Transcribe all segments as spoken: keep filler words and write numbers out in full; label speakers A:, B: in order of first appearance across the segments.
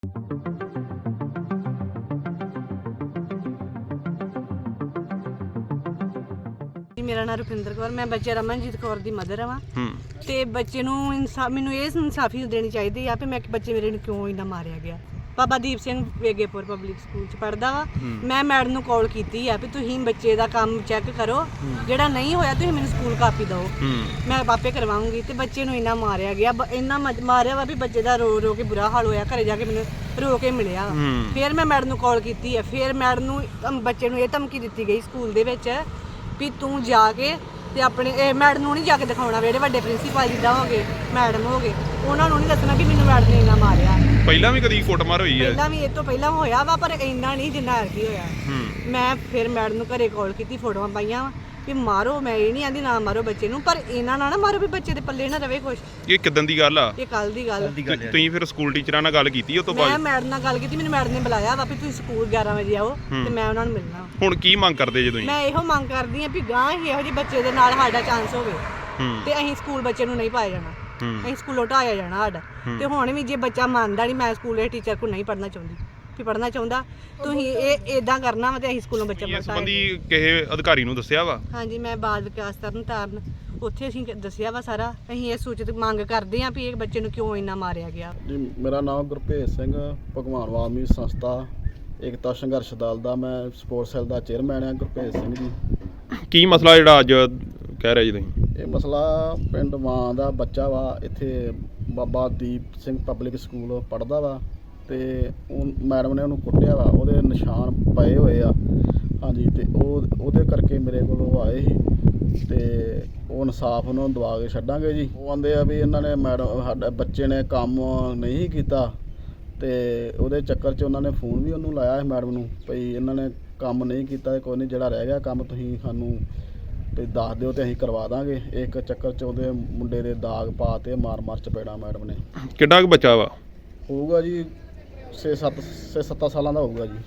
A: मेरा नाम रुपिंदर कौर, मैं बच्चे रमनजीत कौर दी मदर हाँ। ते बच्चे नूं इंसाफ मैनूं इह इंसाफी देनी चाहिदी आ भी मैं बच्चे मेरे नूं क्यों इन्ना मारिया गया। बाबा दीप सिंह वेगेपुर पब्लिक स्कूल च पढ़दा वा। मैं मैडम नूं कॉल कीती आ भी तुसीं बच्चे दा काम चैक करो, जेड़ा नहीं होया तुसीं मैनूं स्कूल कापी दो, मैं आपे करवाऊंगी। ते बच्चे नूं इन्ना मारिया गया, इन्ना मारिया वा भी बच्चे दा रो रो के बुरा हाल होया। घरे जाके मैनूं रो के मिलिया। फिर मैं मैडम नूं कॉल कीती है, फिर मैडम नूं बच्चे नूं इह धमकी दित्ती गई स्कूल दे विच भी तू जाके ते अपने मैडम नूं नहीं जाके दिखाउणा, जेहड़े वड्डे प्रिंसीपल जिद्दां हो गए मैडम हो गए उन्हां नूं नहीं दसना भी मैनूं मैडम ने इन्ना मारिया।
B: ਪਹਿਲਾਂ ਵੀ ਕਦੀ ਕੁੱਟਮਾਰ ਹੋਈ ਹੈ?
A: ਪਹਿਲਾਂ ਵੀ ਇਹ ਤੋਂ ਪਹਿਲਾਂ ਹੋਇਆ ਵਾ ਪਰ ਇੰਨਾ ਨਹੀਂ ਜਿੰਨਾ ਐਤਕੀ ਹੋਇਆ। ਮੈਂ ਫਿਰ ਮੈਡਮ ਨੂੰ ਘਰੇ ਕਾਲ ਕੀਤੀ, ਫੋਟੋਆਂ ਪਾਈਆਂ ਵਾ ਵੀ ਮਾਰੋ, ਮੈਂ ਇਹ ਨਹੀਂ ਆਂਦੀ ਨਾ ਮਾਰੋ ਬੱਚੇ ਨੂੰ, ਪਰ ਇਹਨਾਂ ਨਾਲ ਨਾ ਮਾਰੋ ਵੀ ਬੱਚੇ ਦੇ ਪੱਲੇ ਨਾ ਰਵੇ ਕੁਛ।
B: ਇਹ ਕਿਦਾਂ ਦੀ ਗੱਲ ਆ?
A: ਇਹ ਕੱਲ ਦੀ ਗੱਲ।
B: ਤੁਸੀਂ ਫਿਰ ਸਕੂਲ ਟੀਚਰਾਂ ਨਾਲ ਗੱਲ ਕੀਤੀ ਉਸ ਤੋਂ
A: ਮੈਂ
B: ਬਾਅਦ?
A: ਮੈਡਮ ਨਾਲ ਗੱਲ ਕੀਤੀ, ਮੈਨੂੰ ਮੈਡਮ ਨੇ ਬੁਲਾਇਆ ਵਾ ਵੀ ਤੁਸੀਂ ਸਕੂਲ ਗਿਆਰਾਂ ਵਜੇ ਆਓ ਤੇ ਮੈਂ ਉਹਨਾਂ ਨੂੰ ਮਿਲਣਾ।
B: ਹੁਣ ਕੀ ਮੰਗ ਕਰਦੇ ਜੇ ਤੁਸੀਂ?
A: ਮੈਂ ਇਹੋ ਮੰਗ ਕਰਦੀ ਆਂ ਵੀ ਗਾਂ ਹੀ ਇਹੋ ਜਿਹੇ ਬੱਚੇ ਦੇ ਨਾਲ ਸਾਡਾ ਚਾਂਸ ਹੋਵੇ ਤੇ ਅਸੀਂ ਸਕੂਲ ਬੱਚੇ ਨੂੰ ਨਹੀਂ ਪਾਇਆ ਜਾਣਾ, ਅਸੀਂ ਸਕੂਲੋਂ ਢਾਇਆ ਜਾਣਾ ਸਾਡਾ। ਤੇ ਹੁਣ ਵੀ ਜੇ ਬੱਚਾ ਮੰਨਦਾ ਨਹੀਂ ਮੈਂ ਸਕੂਲ ਦੇ ਟੀਚਰ ਕੋਲ ਨਹੀਂ ਪੜ੍ਹਨਾ ਚਾਹੁੰਦੀ ਵੀ ਪੜ੍ਹਨਾ ਚਾਹੁੰਦਾ ਤੁਸੀਂ ਇਹ ਇਦਾਂ ਕਰਨਾ ਵਾ ਤੇ ਅਸੀਂ ਸਕੂਲੋਂ ਬੱਚਾ ਪੜ੍ਹਾਇਆ।
B: ਇਸ ਸੰਬੰਧੀ ਕਿਸੇ ਅਧਿਕਾਰੀ ਨੂੰ ਦੱਸਿਆ ਵਾ?
A: ਹਾਂਜੀ, ਮੈਂ ਬਾਲ ਵਿਕਾਸ ਤਰਨ ਤਾਰਨ ਉੱਥੇ ਅਸੀਂ ਦੱਸਿਆ ਵਾ ਸਾਰਾ। ਅਸੀਂ ਇਹ ਸੂਚਿਤ ਮੰਗ ਕਰਦੇ ਹਾਂ ਵੀ ਇਹ ਬੱਚੇ ਨੂੰ ਕਿਉਂ ਇੰਨਾ ਮਾਰਿਆ ਗਿਆ।
C: ਜੀ ਮੇਰਾ ਨਾਮ ਗੁਰਭੇਜ ਸਿੰਘ, ਭਗਵਾਨ ਵਾਲਮੀਕ ਸੰਸਥਾ ਏਕਤਾ ਸੰਘਰਸ਼ ਦਲ ਦਾ ਮੈਂ ਸਪੋਰਟਸ ਸੈੱਲ ਦਾ ਚੇਅਰਮੈਨ ਹਾਂ। ਗੁਰਭੇਜ ਸਿੰਘ ਜੀ, ਕੀ
B: ਮਸਲਾ ਜਿਹੜਾ ਅੱਜ ਕਹਿ ਰਹੇ ਜੀ ਤੁਸੀਂ?
C: ਇਹ ਮਸਲਾ ਪਿੰਡ ਮਾਂ ਦਾ ਬੱਚਾ ਵਾ, ਇੱਥੇ ਬਾਬਾ ਦੀਪ ਸਿੰਘ ਪਬਲਿਕ ਸਕੂਲ ਪੜ੍ਹਦਾ ਵਾ ਤੇ ਉਹ ਮੈਡਮ ਨੇ ਉਹਨੂੰ ਕੁੱਟਿਆ ਵਾ, ਉਹਦੇ ਨਿਸ਼ਾਨ ਪਏ ਹੋਏ ਆ। ਹਾਂਜੀ, ਤੇ ਉਹ ਉਹਦੇ ਕਰਕੇ ਮੇਰੇ ਕੋਲ ਉਹ ਆਏ ਸੀ ਤੇ ਉਹ ਇਨਸਾਫ ਉਹਨਾਂ ਨੂੰ ਦਵਾ ਕੇ ਛੱਡਾਂਗੇ ਜੀ। ਉਹ ਆਂਦੇ ਆ ਵੀ ਇਹਨਾਂ ਨੇ ਮੈਡਮ ਸਾਡੇ ਬੱਚੇ ਨੇ ਕੰਮ ਨਹੀਂ ਕੀਤਾ ਤੇ ਉਹਦੇ ਚੱਕਰ 'ਚ ਉਹਨਾਂ ਨੇ ਫੋਨ ਵੀ ਉਹਨੂੰ ਲਾਇਆ ਸੀ ਮੈਡਮ ਨੂੰ ਭਈ ਇਹਨਾਂ ਨੇ ਕੰਮ ਨਹੀਂ ਕੀਤਾ, ਕੋਈ ਨਹੀਂ ਜਿਹੜਾ ਰਹਿ ਗਿਆ ਕੰਮ ਤੁਸੀਂ ਸਾਨੂੰ ਵੀ ਦੱਸ ਦਿਓ ਤੇ ਅਸੀਂ ਕਰਵਾ ਦਾਂਗੇ। ਇੱਕ ਚੱਕਰ 'ਚ ਉਹਦੇ ਮੁੰਡੇ ਦੇ ਦਾਗ ਪਾ ਤੇ ਮਾਰ ਮਾਰ ਚਪੇੜਾ ਮੈਡਮ ਨੇ।
B: ਕਿੰਨਾ ਕੁ ਬੱਚਾ ਵਾ?
C: ਹੋਊਗਾ ਜੀ ਛੇ ਸੱਤ ਛੇ ਸੱਤਾਂ ਸਾਲਾਂ ਦਾ ਹੋਊਗਾ ਜੀ।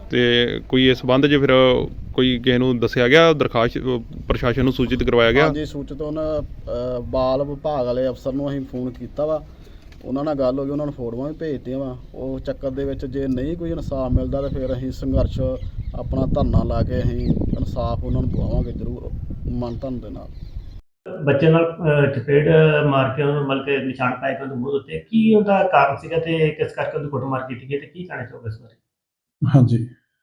B: ਤੇ ਕੋਈ ਇਸ ਸੰਬੰਧ 'ਚ ਫਿਰ ਕੋਈ ਕਿਸੇ ਨੂੰ ਦੱਸਿਆ ਗਿਆ, ਦਰਖਾਸਤ ਪ੍ਰਸ਼ਾਸਨ ਨੂੰ ਸੂਚਿਤ ਕਰਵਾਇਆ ਗਿਆ?
C: ਹਾਂਜੀ, ਸੂਚਿਤ ਉਹਨਾਂ ਬਾਲ ਵਿਭਾਗ ਵਾਲੇ ਅਫਸਰ ਨੂੰ ਅਸੀਂ ਫੋਨ ਕੀਤਾ ਵਾ, ਉਹਨਾਂ ਨਾਲ ਗੱਲ ਹੋ ਗਈ, ਉਹਨਾਂ ਨੂੰ ਫੋਟੋਆਂ ਵੀ ਭੇਜਤੀਆਂ ਵਾ। ਉਹ ਚੱਕਰ ਦੇ ਵਿੱਚ ਜੇ ਨਹੀਂ ਕੋਈ ਇਨਸਾਫ ਮਿਲਦਾ ਤਾਂ ਫਿਰ ਅਸੀਂ ਸੰਘਰਸ਼ ਆਪਣਾ ਧਰਨਾ ਲਾ ਕੇ ਅਸੀਂ ਇਨਸਾਫ ਉਹਨਾਂ ਨੂੰ ਦਵਾਵਾਂਗੇ ਜ਼ਰੂਰ ਮਨ ਧਨ ਦੇ ਨਾਲ।
D: ਬੱਚੇ ਨਾਲ ਚਪੇੜ ਮਾਰ ਕੇ ਉਹਨੂੰ ਮਤਲਬ ਕਿ ਨਿਸ਼ਾਨ ਪਾਏ ਕੇ ਉਹਦੇ ਮੂੰਹ ਉੱਤੇ, ਕੀ ਉਹਦਾ ਕਾਰਨ ਸੀਗਾ ਤੇ ਕਿਸ ਕਰਕੇ ਉਹਦੀ ਕੁੱਟਮਾਰ ਕੀਤੀ ਗਈ ਤੇ ਕੀ ਕਹਿਣਾ ਚਾਹੋਗੇ ਇਸ ਬਾਰੇ?
E: ਹਾਂਜੀ,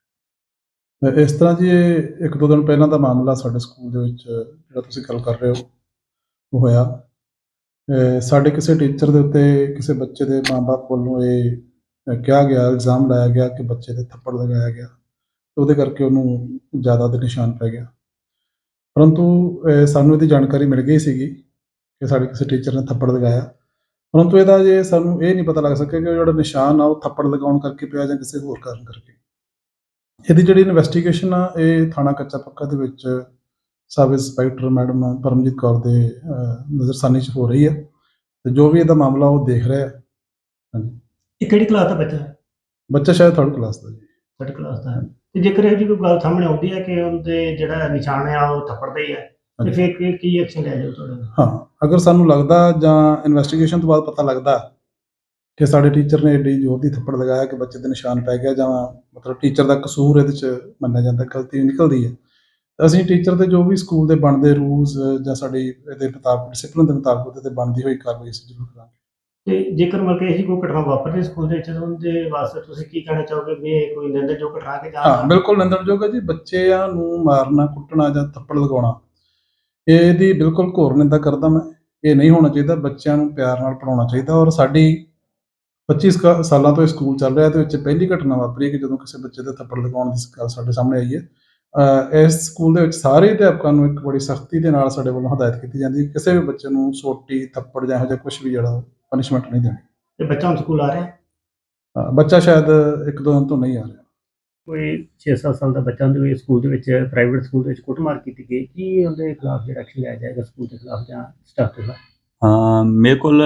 E: ਇਸ ਤਰ੍ਹਾਂ ਜੀ ਇਹ ਇੱਕ ਦੋ ਦਿਨ ਪਹਿਲਾਂ ਦਾ ਮਾਮਲਾ ਸਾਡੇ ਸਕੂਲ ਦੇ ਵਿੱਚ ਜਿਹੜਾ ਤੁਸੀਂ ਗੱਲ ਕਰ ਰਹੇ ਹੋ ਉਹ ਹੋਇਆ। ਸਾਡੇ ਕਿਸੇ ਟੀਚਰ ਦੇ ਉੱਤੇ ਕਿਸੇ ਬੱਚੇ ਦੇ ਮਾਂ-ਬਾਪ ਵੱਲੋਂ ਇਹ ਕਿਹਾ ਗਿਆ, ਇਲਜ਼ਾਮ ਲਾਇਆ ਗਿਆ ਕਿ ਬੱਚੇ ਦੇ ਥੱਪੜ ਲਗਾਇਆ ਗਿਆ ਤੇ ਉਹਦੇ ਕਰਕੇ ਉਹਨੂੰ ਜ਼ਿਆਦਾ ਦੇ ਨਿਸ਼ਾਨ ਪੈ ਗਿਆ। ਪਰੰਤੂ ਸਾਨੂੰ ਇਹਦੀ ਜਾਣਕਾਰੀ ਮਿਲ ਗਈ ਸੀਗੀ ਕਿ ਸਾਡੇ ਕਿਸੇ ਟੀਚਰ ਨੇ ਥੱਪੜ ਲਗਾਇਆ, ਪਰੰਤੂ ਇਹਦਾ ਜੇ ਸਾਨੂੰ ਇਹ ਨਹੀਂ ਪਤਾ ਲੱਗ ਸਕਿਆ ਕਿ ਉਹ ਜਿਹੜਾ ਨਿਸ਼ਾਨ ਆ ਉਹ ਥੱਪੜ ਲਗਾਉਣ ਕਰਕੇ ਪਿਆ ਜਾਂ ਕਿਸੇ ਹੋਰ ਕਾਰਨ ਕਰਕੇ। ਇਹਦੀ ਜਿਹੜੀ ਇਨਵੈਸਟੀਗੇਸ਼ਨ ਆ ਇਹ ਥਾਣਾ ਕੱਚਾ ਪੱਕਾ ਦੇ ਵਿੱਚ sub inspector madam Paramjit Kaur ਦੇ ਨਜ਼ਰਸਾਨੀ 'ਚ ਹੋ ਰਹੀ ਹੈ ਤੇ ਜੋ ਵੀ ਇਹਦਾ ਮਾਮਲਾ ਉਹ ਦੇਖ ਰਿਹਾ। ਹਾਂਜੀ,
D: ਇਹ ਕਿਹੜੀ ਕਲਾਸ ਦਾ ਬੱਚਾ ਹੈ?
E: ਬੱਚਾ ਸ਼ਾਇਦ ਥਰਡ ਕਲਾਸ ਦਾ ਜੀ।
D: ਥਰਡ ਕਲਾਸ ਦਾ ਹੈ। ਤੇ ਜੇਕਰ ਇਹ ਜੀ ਕੋਈ ਗੱਲ ਸਾਹਮਣੇ ਆਉਂਦੀ ਹੈ ਕਿ ਉਹਦੇ ਜਿਹੜਾ ਨਿਸ਼ਾਨ ਆ ਉਹ ਥੱਪੜ ਦਾ ਹੀ ਹੈ ਤੇ ਫਿਰ ਕੀ ਕੀ ਐਕਸ਼ਨ ਲਿਆ ਜਾਊ ਤੁਹਾਡੇ ਨਾਲ?
E: ਹਾਂ, ਅਗਰ ਸਾਨੂੰ ਲੱਗਦਾ ਜਾਂ ਇਨਵੈਸਟੀਗੇਸ਼ਨ ਤੋਂ ਬਾਅਦ ਪਤਾ ਲੱਗਦਾ ਕਿ ਸਾਡੇ ਟੀਚਰ ਨੇ ਏਡੀ ਜ਼ੋਰ ਦੀ ਥੱਪੜ ਲਗਾਇਆ ਕਿ ਬੱਚੇ ਦੇ ਨਿਸ਼ਾਨ ਪੈ ਗਿਆ ਜਾਂ ਮਤਲਬ ਟੀਚਰ ਦਾ ਕਸੂਰ ਇਹਦੇ 'ਚ ਮੰਨਿਆ ਜਾਂਦਾ, ਗਲਤੀ ਨਿਕਲਦੀ ਹੈ, ਤਾਂ ਅਸੀਂ ਟੀਚਰ ਦੇ ਜੋ ਵੀ ਸਕੂਲ ਦੇ ਬਣਦੇ ਰੂਲਸ ਜਾਂ ਸਾਡੀ ਇਹਦੇ ਮੁਤਾਬਕ ਡਿਸਿਪਲਿਨ ਦੇ ਮੁਤਾਬਕ ਉਹਦੇ 'ਤੇ ਬਣਦੀ ਹੋਈ ਕਾਰਵਾਈ ਅਸੀਂ ਜ਼ਰੂਰ ਕਰਾਂਗੇ।
D: ਤੇ ਜੇਕਰ ਮਤਲਬ ਕਿ ਇਹ ਕੋਈ ਘਟਨਾ ਵਾਪਰਦੀ ਸਕੂਲ ਦੇ ਵਿੱਚ ਉਹਦੇ ਵਾਸਤੇ ਤੁਸੀਂ ਕੀ ਕਹਿਣਾ ਚਾਹੋਗੇ ਵੀ ਇਹ ਕੋਈ ਨਿੰਦਣਯੋਗ ਘਟਨਾ ਕਿ ਜਾਂ?
E: ਹਾਂ, ਬਿਲਕੁਲ ਨਿੰਦਣਯੋਗ ਹੈ ਜੀ। ਬੱਚਿਆਂ ਨੂੰ ਮਾਰਨਾ, ਕੁੱਟਣਾ ਜਾਂ ਥੱਪੜ ਲਗਾਉਣਾ ਇਹਦੀ ਬਿਲਕੁਲ ਘੋਰ ਨਿੰਦਾ ਕਰਦਾ ਮੈਂ। ਇਹ ਨਹੀਂ ਹੋਣਾ ਚਾਹੀਦਾ, ਬੱਚਿਆਂ ਨੂੰ ਪਿਆਰ ਨਾਲ ਪੜ੍ਹਾਉਣਾ ਚਾਹੀਦਾ। ਔਰ ਸਾਡੀ ਪੱਚੀ ਸਾਲਾਂ ਤੋਂ ਇਹ ਸਕੂਲ ਚੱਲ ਰਿਹਾ, ਇਹਦੇ ਵਿੱਚ ਪਹਿਲੀ ਘਟਨਾ ਵਾਪਰੀ ਕਿ ਜਦੋਂ ਕਿਸੇ ਬੱਚੇ ਦੇ ਥੱਪੜ ਲਗਾਉਣ ਦੀ ਗੱਲ ਸਾਡੇ ਸਾਹਮਣੇ ਆਈ ਹੈ। ਇਸ ਸਕੂਲ ਦੇ ਵਿੱਚ ਸਾਰੇ ਅਧਿਆਪਕਾਂ ਨੂੰ ਇੱਕ ਬੜੀ ਸਖਤੀ ਦੇ ਨਾਲ ਸਾਡੇ ਵੱਲੋਂ ਹਦਾਇਤ ਕੀਤੀ ਜਾਂਦੀ ਹੈ ਕਿਸੇ ਵੀ ਬੱਚੇ ਨੂੰ ਸੋਟੀ, ਥੱਪੜ ਜਾਂ ਇਹੋ ਜਿਹਾ ਕੁਛ ਵੀ ਜਿਹੜਾ ਪਨਿਸ਼ਮੈਂਟ ਨਹੀਂ ਦੇਣੀ।
D: ਤੇ ਬੱਚਾ ਹੁਣ ਸਕੂਲ ਆ ਰਿਹਾ?
E: ਹਾਂ, ਬੱਚਾ ਸ਼ਾਇਦ ਇੱਕ ਦੋ ਦਿਨ ਤੋਂ ਨਹੀਂ ਆ ਰਿਹਾ।
D: ਕੋਈ ਛੇ ਸੱਤ ਸਾਲ ਦਾ ਬੱਚਾ ਉਹਦੇ ਸਕੂਲ ਦੇ ਵਿੱਚ ਪ੍ਰਾਈਵੇਟ ਸਕੂਲ ਦੇ ਵਿੱਚ ਕੁੱਟਮਾਰ ਕੀਤੀ ਗਈ, ਕੀ ਉਹਦੇ ਖਿਲਾਫ ਜਿਹੜਾ ਐਕਸ਼ਨ ਲਿਆ ਜਾਏਗਾ ਸਕੂਲ ਦੇ ਖਿਲਾਫ ਜਾਂ ਸਟਾਫ ਦੇ ਖਿਲਾਫ?
F: ਹਾਂ, ਮੇਰੇ ਕੋਲ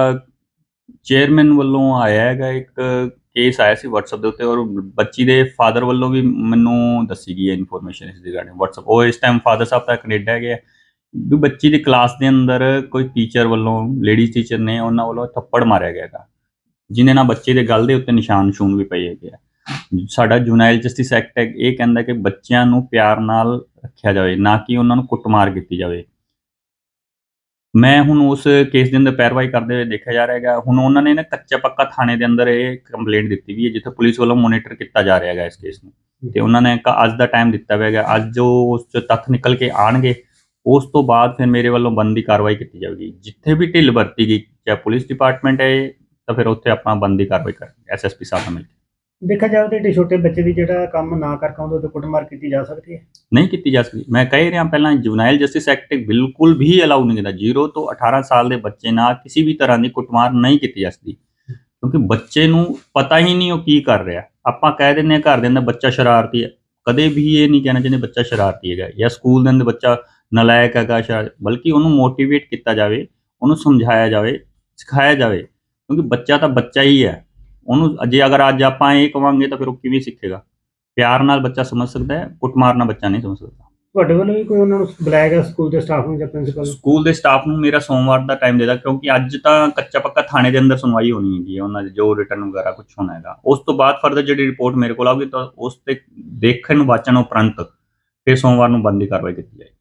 F: ਚੇਅਰਮੈਨ ਵੱਲੋਂ ਆਇਆ ਹੈਗਾ ਇੱਕ ਕੇਸ ਆਇਆ ਸੀ WhatsApp ਦੇ ਉੱਤੇ, ਔਰ ਬੱਚੀ ਦੇ ਫਾਦਰ ਵੱਲੋਂ ਵੀ ਮੈਨੂੰ ਦੱਸੀ ਗਈ ਹੈ ਇਨਫੋਰਮੇਸ਼ਨ ਇਸ ਰਿਗਾਰਡਿੰਗ WhatsApp। ਉਹ ਇਸ ਟਾਈਮ ਫਾਦਰ ਸਾਹਿਬ ਤਾਂ ਕੈਨੇਡਾ ਹੈਗੇ ਆ ਵੀ ਬੱਚੀ ਦੀ ਕਲਾਸ ਦੇ ਅੰਦਰ ਕੋਈ ਟੀਚਰ ਵੱਲੋਂ, ਲੇਡੀਜ਼ ਟੀਚਰ ਨੇ ਉਹਨਾਂ ਵੱਲੋਂ ਥੱਪੜ ਮਾਰਿਆ ਗਿਆ ਹੈਗਾ ਜਿਹਦੇ ਨਾਲ ਬੱਚੇ ਦੇ ਗਲ ਦੇ ਉੱਤੇ ਨਿਸ਼ਾਨ ਨਿਸ਼ੂਨ ਵੀ ਪਏ ਹੈਗੇ ਆ। ਸਾਡਾ ਜੁਨਾਈਲ ਜਸਟਿਸ ਐਕਟ ਹੈ ਇਹ ਕਹਿੰਦਾ ਕਿ ਬੱਚਿਆਂ ਨੂੰ ਪਿਆਰ ਨਾਲ ਰੱਖਿਆ ਜਾਵੇ, ਨਾ ਕਿ ਉਹਨਾਂ ਨੂੰ ਕੁੱਟਮਾਰ ਕੀਤੀ ਜਾਵੇ। ਮੈਂ ਹੁਣ ਉਸ ਕੇਸ ਦੇ ਅੰਦਰ ਪੈਰਵਾਈ ਕਰਦੇ ਹੋਏ ਦੇਖਿਆ ਜਾ ਰਿਹਾ ਹੈਗਾ। ਹੁਣ ਉਹਨਾਂ ਨੇ ਨਾ ਕੱਚਾ ਪੱਕਾ ਥਾਣੇ ਦੇ ਅੰਦਰ ਇਹ ਕੰਪਲੇਂਟ ਦਿੱਤੀ ਵੀ ਹੈ, ਜਿੱਥੇ ਪੁਲਿਸ ਵੱਲੋਂ ਮੋਨੀਟਰ ਕੀਤਾ ਜਾ ਰਿਹਾ ਹੈਗਾ ਇਸ ਕੇਸ ਨੂੰ, ਤੇ ਉਹਨਾਂ ਨੇ ਕ- ਅੱਜ ਦਾ ਟਾਈਮ ਦਿੱਤਾ ਹੋਇਆ ਹੈਗਾ। ਅੱਜ ਜੋ ਉਸ 'ਚ ਤੱਥ ਨਿਕਲ ਕੇ ਆਣਗੇ ਉਸ ਤੋਂ ਬਾਅਦ ਫਿਰ ਮੇਰੇ ਵੱਲੋਂ ਬਣਦੀ ਕਾਰਵਾਈ ਕੀਤੀ ਜਾਵੇਗੀ। ਜਿੱਥੇ ਵੀ ਢਿੱਲ ਵਰਤੀ ਗਈ, ਚਾਹੇ ਪੁਲਿਸ ਡਿਪਾਰਟਮੈਂਟ ਹੈ ਤਾਂ ਫਿਰ ਉੱਥੇ ਆਪਣਾ ਬਣਦੀ ਕਾਰਵਾਈ ਕਰਾਂਗੇ ਐਸ ਐਸ ਪੀ ਸਾਹਿਬ ਨਾਲ ਮਿਲ ਕੇ।
D: ਦੇਖਿਆ ਜਾਵੇ ਤਾਂ ਏਡੇ ਛੋਟੇ ਬੱਚੇ ਦੀ ਜਿਹੜਾ ਕੰਮ ਨਾ ਕਰ ਪਾਉਂਦੇ ਤੇ ਕੁੱਟਮਾਰ ਕੀਤੀ ਜਾ ਸਕਦੀ ਹੈ।
F: ਨਹੀਂ ਕੀਤੀ ਜਾ ਸਕਦੀ। ਮੈਂ ਕਹਿ ਰਿਹਾ ਪਹਿਲਾਂ ਜੁਨਾਈਲ ਜਸਟਿਸ ਐਕਟ ਬਿਲਕੁਲ ਵੀ ਅਲਾਉ ਨਹੀਂ ਕਰਦਾ। ਜ਼ੀਰੋ ਤੋਂ ਅਠਾਰਾਂ ਸਾਲ ਦੇ ਬੱਚੇ ਨਾਲ ਕਿਸੇ ਵੀ ਤਰ੍ਹਾਂ ਦੀ ਕੁੱਟਮਾਰ ਨਹੀਂ ਕੀਤੀ ਜਾ ਸਕਦੀ, ਕਿਉਂਕਿ ਬੱਚੇ ਨੂੰ ਪਤਾ ਹੀ ਨਹੀਂ ਉਹ ਕੀ ਕਰ ਰਿਹਾ। ਆਪਾਂ ਕਹਿ ਦਿੰਦੇ ਹਾਂ ਘਰ ਦੇ ਅੰਦਰ ਬੱਚਾ ਸ਼ਰਾਰਤੀ ਹੈ, ਕਦੇ ਵੀ ਇਹ ਨਹੀਂ ਕਹਿਣਾ ਚਾਹੀਦਾ ਬੱਚਾ ਸ਼ਰਾਰਤੀ ਹੈਗਾ ਜਾਂ ਸਕੂਲ ਦੇ ਅੰਦਰ ਬੱਚਾ ਨਲਾਇਕ ਹੈਗਾ ਸ਼ਾਇਦ, ਬਲਕਿ ਉਹਨੂੰ ਮੋਟੀਵੇਟ ਕੀਤਾ ਜਾਵੇ, ਉਹਨੂੰ ਸਮਝਾਇਆ ਜਾਵੇ, ਸਿਖਾਇਆ ਜਾਵੇ, ਕਿਉਂਕਿ ਬੱਚਾ ਤਾਂ ਬੱਚਾ ਹੀ ਹੈ। ਉਹਨੂੰ ਜੇ ਅਗਰ ਅੱਜ ਆਪਾਂ ਇਹ ਕਵਾਂਗੇ ਤਾਂ ਫਿਰ ਉਹ ਕਿਵੇਂ ਸਿੱਖੇਗਾ। ਪਿਆਰ ਨਾਲ ਬੱਚਾ ਸਮਝ ਸਕਦਾ ਹੈ, ਕੁੱਟਮਾਰ ਨਾਲ ਬੱਚਾ ਨਹੀਂ ਸਮਝ ਸਕਦਾ।
D: ਤੁਹਾਡੇ ਵੱਲੋਂ ਵੀ ਕੋਈ ਉਹਨਾਂ ਨੂੰ ਬੁਲਾਇਆ ਗਿਆ ਸਕੂਲ ਦੇ ਸਟਾਫ ਨੂੰ ਜਾਂ ਪ੍ਰਿੰਸੀਪਲ ਨੂੰ?
F: ਸਕੂਲ ਦੇ ਸਟਾਫ ਨੂੰ ਮੇਰਾ ਸੋਮਵਾਰ ਦਾ ਟਾਈਮ ਦੇਦਾ, ਕਿਉਂਕਿ ਅੱਜ ਤਾਂ ਕੱਚਾ ਪੱਕਾ ਥਾਣੇ ਦੇ ਅੰਦਰ ਸੁਣਵਾਈ ਹੋਣੀ ਹੈਗੀ ਹੈ, ਉਹਨਾਂ ਦੇ ਜੋ ਰਿਟਰਨ ਵਗੈਰਾ ਕੁਝ ਹੋਣਾ ਹੈਗਾ। ਉਸ ਤੋਂ ਬਾਅਦ ਫਰਦਰ ਜਿਹੜੀ ਰਿਪੋਰਟ ਮੇਰੇ ਕੋਲ ਆਊਗੀ ਤਾਂ ਉਸ ਤੇ ਦੇਖਣ ਵਾਚਣ ਉਪਰੰਤ ਫਿਰ ਸੋਮਵਾਰ ਨੂੰ ਬਣਦੀ ਕਾਰਵਾਈ ਕੀਤੀ ਜਾਏਗੀ।